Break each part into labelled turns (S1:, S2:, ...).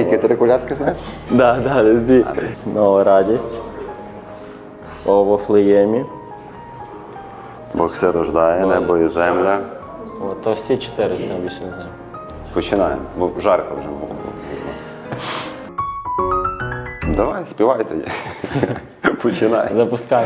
S1: Тільки 3 колядки знаєш?
S2: Да, дві. Нова радість. О Вифлеємі.
S1: Бог все рождає, небо і земля.
S2: О, то всі 4, це більше не знаю.
S1: Починаємо, бо жарко вже було. Давай, співай тоді. Починай.
S2: Запускай.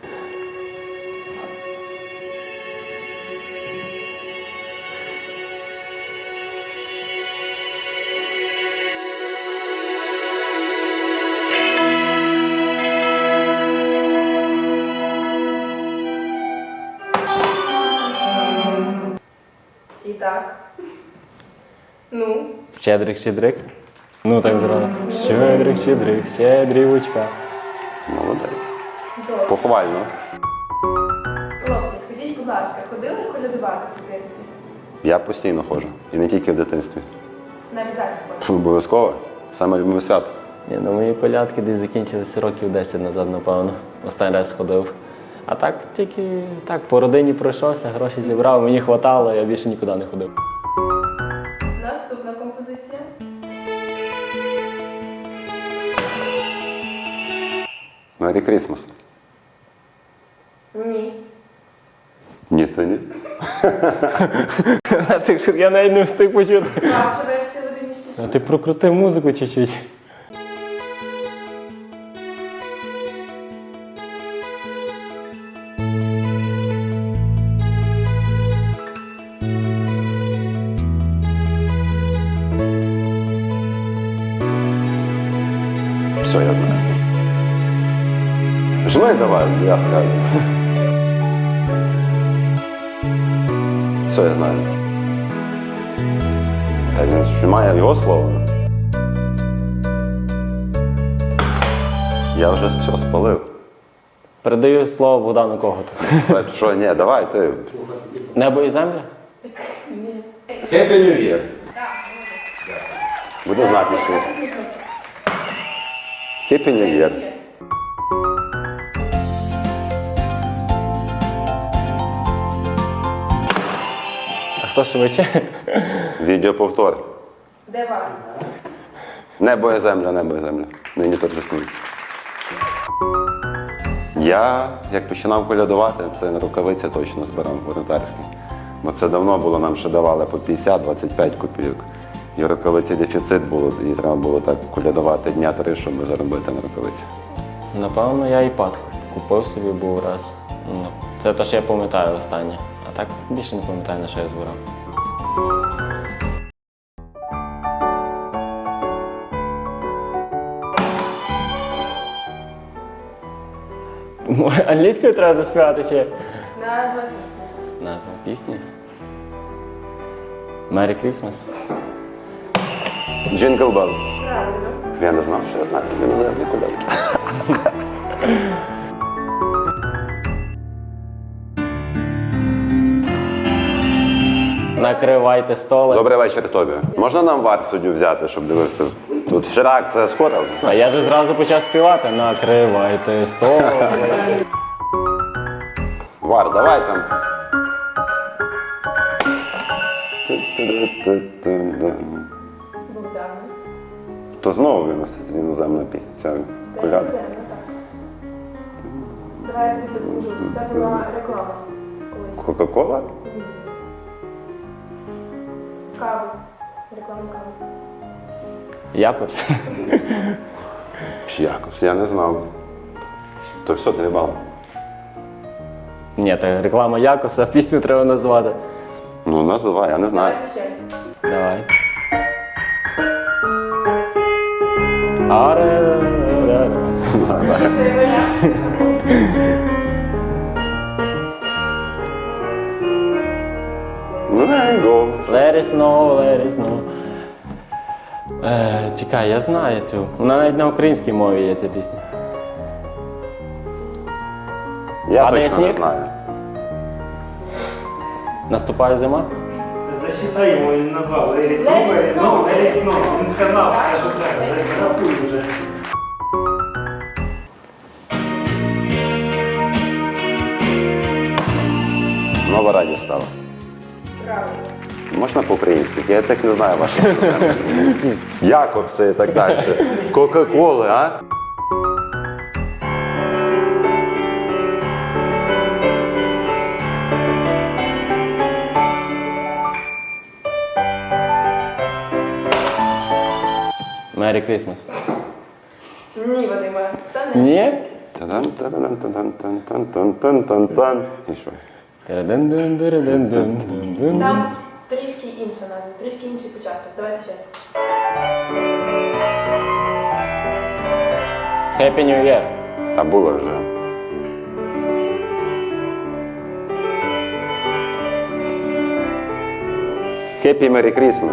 S3: І так. Ну.
S2: Щедрик. Ну так зразу. Щедрик, щедрівочка.
S1: Молодець.
S3: Добре.
S1: Похвально.
S3: Хлопці, скажіть, будь ласка, ходили колядувати в дитинстві?
S1: Я постійно ходжу. І не тільки в дитинстві.
S3: Навіть зараз ходите?
S1: Обов'язково. Саме любиме свято.
S2: Ні, ну мої колядки десь закінчилися років 10 назад, напевно. Останній раз ходив. А так тільки так, по родині пройшовся, гроші зібрав, мені хватало, я більше нікуди не ходив.
S3: Наступна композиція.
S1: Merry Christmas.
S3: Ні.
S1: Ні, то ні.
S2: Я навіть не встиг почути.
S3: Ваша версія, Вадим Міщишин?
S2: А ти прокрути музику чуть-чуть.
S1: Все, я знаю. Жми давай, я скажу. Все, я знаю. Так він ж має його слово. Я вже все спалив.
S2: Передаю слово Богдану Коготу.
S1: Що, ні, давай ти.
S2: Небо і земля?
S1: Happy New Year. Буде знати, що. Happy New Year.
S2: А хто швидше?
S1: Відеоповтор.
S3: Де вар?
S1: Небо і земля, небо і земля. Нині торжествує. Я, як починав колядувати, це на рукавиці точно збирав волонтерські. Бо це давно було, нам ще давали по 50-25 копійок. І в рукавиці дефіцит було, і треба було так колядувати дня 3, щоб заробити на рукавиці.
S2: Напевно, я iPad купив собі був раз. Ну, це те, що я пам'ятаю останнє. А так більше не пам'ятаю, на що я збирав. Англійською треба заспівати чи?
S3: Назва пісні.
S2: Назва пісні. Merry Christmas.
S1: Jingle Bell.
S3: Правильно.
S1: Я не знав, що я знаю іноземні колядки.
S2: Накривайте столи.
S1: Добрий вечір тобі. Можна нам вар суддю взяти, щоб дивився? Тут Ширак, це скоро.
S2: А я ж зразу почав співати. Накривайте столи.
S1: Вар, давай там.
S3: Богдана.
S1: То знову іноземна ця колядка.
S3: Земля, так. Давай я тобі допоможу. Це була реклама колись.
S1: Кока-кола?
S3: Кави. Реклама кави.
S2: Якобс.
S1: Якось, я не знав. То все, 3 бали.
S2: Ні, це реклама Якобса, пісню треба назвати.
S1: Ну, називай, я не знаю.
S3: Давайте ще раз.
S2: Давай. Аре-ре-ре-ре.
S3: Це варіант.
S2: Let it snow, let it snow. Чекай, я знаю цю. Вона навіть на українській мові є ця пісня.
S1: Я
S2: Падає
S1: точно не
S2: сніг?
S1: знаю.
S2: Наступає зима?
S4: Засчитай йому, він назвав. Лері знову. Він сказав, що треба. Зарахуй вже.
S1: Нова радість стала.
S3: Правильно.
S1: Можна по-українськи? Я так не знаю ваших програм. Якісь Якобси і так далі. Кока-коли, а?
S2: Merry Christmas.
S3: Ні, Вадиме, це не.
S2: Ні?
S1: Та-дан-та-дан-та-дан-та-дан-та-дан-та-дан. І що?
S2: Тирадин-дин-диридин-дин-дин.
S3: Там трішки інша назва, трішки інший початок. Давайте ще.
S2: Happy New Year.
S1: Та було вже. Happy Merry Christmas.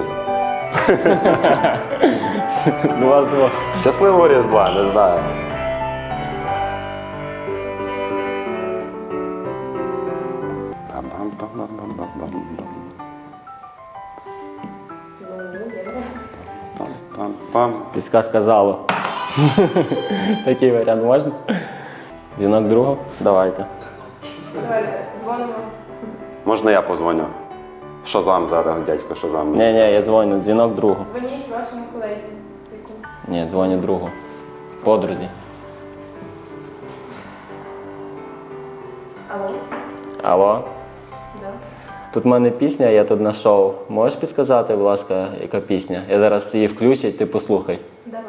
S2: До вас двох.
S1: Щасливого Різдва, не знаю. Пам-пам-пам-пам-пам-пам-пам.
S3: Ну, є.
S1: Пам-пам.
S2: Підсказка залу. Такий варіант можна? Дзвінок другого? Давайте.
S3: Давайте, дзвонимо.
S1: Можна я позвоню? Шазам зараз, дядько Шазам.
S2: Ні, я дзвоню. Дзвінок другого.
S3: Дзвоніть вашому колезі.
S2: Ні, дзвоню другу. Подрузі.
S3: Алло?
S2: Алло?
S3: Да.
S2: Тут в мене пісня, я тут на шоу. Можеш підказати, будь ласка, яка пісня? Я зараз її включу, ти послухай.
S3: Давай.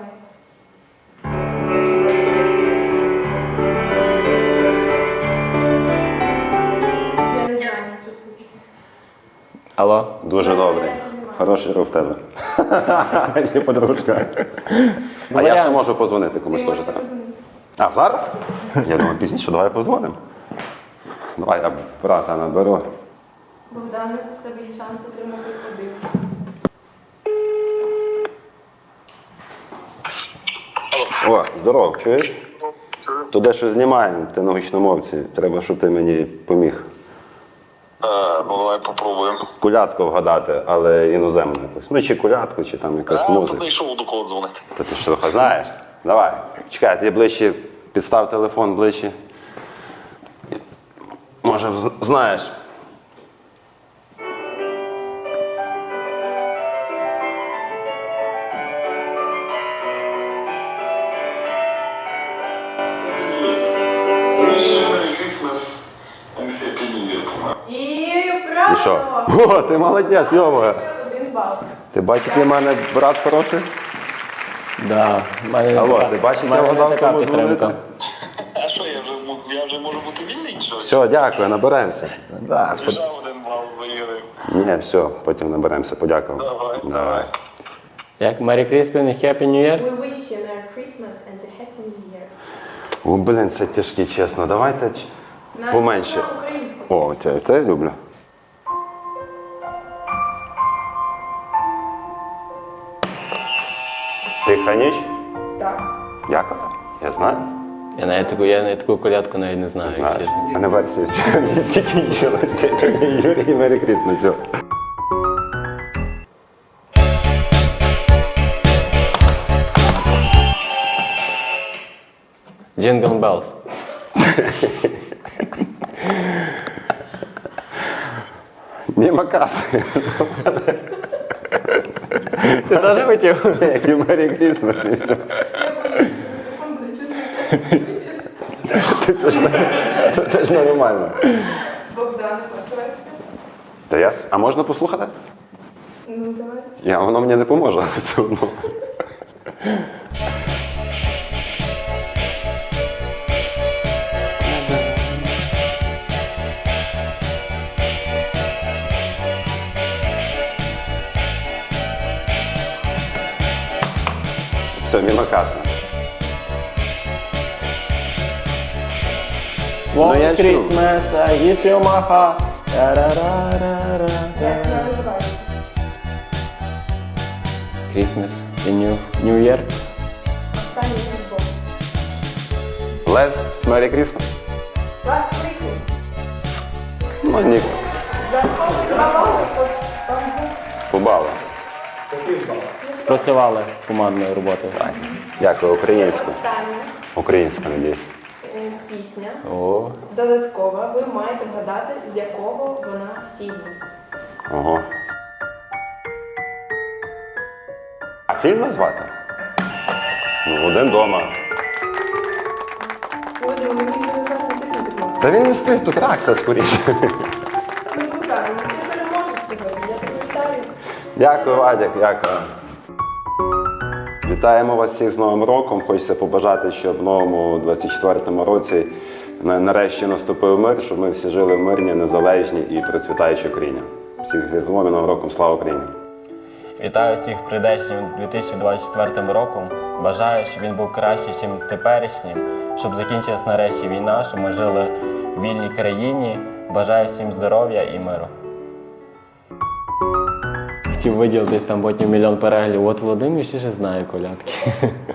S3: Я не знаю, що це.
S2: Алло?
S1: Дуже добре. Хороший рух в тебе. Чи подружка. А я ще можу позвонити комусь
S3: Ти
S1: теж.
S3: можеш
S1: так?
S3: подзвонити.
S1: А зараз? Я думаю, пізніше, давай позвонимо. Давай я брата наберу.
S3: Богдане, в тебе є шанс отримати один.
S1: О, здоров, чуєш? То дещо знімаємо, ти на гучномовці. Треба, щоб ти мені поміг.
S5: Ну, давай попробуємо.
S1: Колядку вгадати, але іноземну якусь. Ну, чи колядку, чи там якась
S5: То
S1: музика.
S5: не йшов до кого дзвонити.
S1: Та ти що трохи знаєш? Давай. Чекай, ти ближче, підстав телефон ближче. Може, знаєш.
S3: І
S1: І
S3: правильно!
S1: що? О, ти молодець, йомо.
S3: Один бал.
S1: Ти бачиш, який в мене брат хороший?
S2: Да.
S1: Алло, ти бачиш, я вгадав,
S2: така
S1: кому
S2: підтримка.
S1: дзвонити?
S5: А що, я вже можу бути вільний, чи що?
S1: Все, дякую, наберемося. Да,
S5: Вже один бал виграв.
S1: Ні, все, потім наберемося, подякував.
S5: Давай.
S2: Як Merry Christmas і Happy New Year?
S3: We wish you a Merry Christmas and a Happy New Year.
S1: О, блін, це тяжкі, чесно. Давайте
S3: Нас
S1: поменше.
S3: на українську.
S1: О, це я люблю. Тиха ніч?
S3: Так.
S1: Дякую. Я знаю.
S2: Я навіть таку колядку навіть не знаю, як чесно.
S1: А не версія всі англійські кінчилась. Юрій, Мері Крісмас. Все.
S2: Jingle Bells.
S1: Міма каси.
S2: Ти теж хотів?
S1: Як і Мері Крісмас і все.
S3: Телефон буде чути.
S1: Це ж нормально.
S3: Богдан, ваша версія?
S1: Та а можна послухати?
S3: Ну, давайте.
S1: Воно мені не поможе, але все одно. Все, мимо касна.
S2: Long
S1: я чув.
S2: Christmas, I kiss you my heart. Та-ра-ра-ра-ра.
S3: Як вона називається?
S2: Christmas і New Year.
S3: Останній футбол.
S1: Лес, Мері Крісмас.
S3: Last Christmas.
S1: Ну, ні,
S3: За кого забавали, там був
S1: побала.
S2: Працювали командною роботою.
S1: Дякую, українську.
S3: остання
S1: Українська, надіюсь.
S3: пісня.
S2: О,
S3: Додаткова. Ви маєте вгадати, з якого вона фільму.
S1: Ого. фільм назвати? Ну, «Один дома».
S3: Володимир, мені вже назад натиснути кнопку.
S1: Та він не встиг, тут реакція скоріше.
S3: Ну, правильно, ти переможеш сьогодні. Я тебе вітаю.
S1: Дякую, Вадик, дякую. Вітаємо вас всіх з Новим роком. Хочеться побажати, щоб в новому 24-му році нарешті наступив мир, щоб ми всі жили в мирній, незалежній і процвітаючій Україні. Всіх з Різдвом і Новим роком, слава Україні!
S2: Вітаю всіх прийдешнім 2024 роком. Бажаю, щоб він був кращий, ніж теперішнім, щоб закінчилась нарешті війна, щоб ми жили в вільній країні. Бажаю всім здоров'я і миру. Хотів виділитись там потім 1 мільйон переглядів. От Володимир ще ж знає колядки.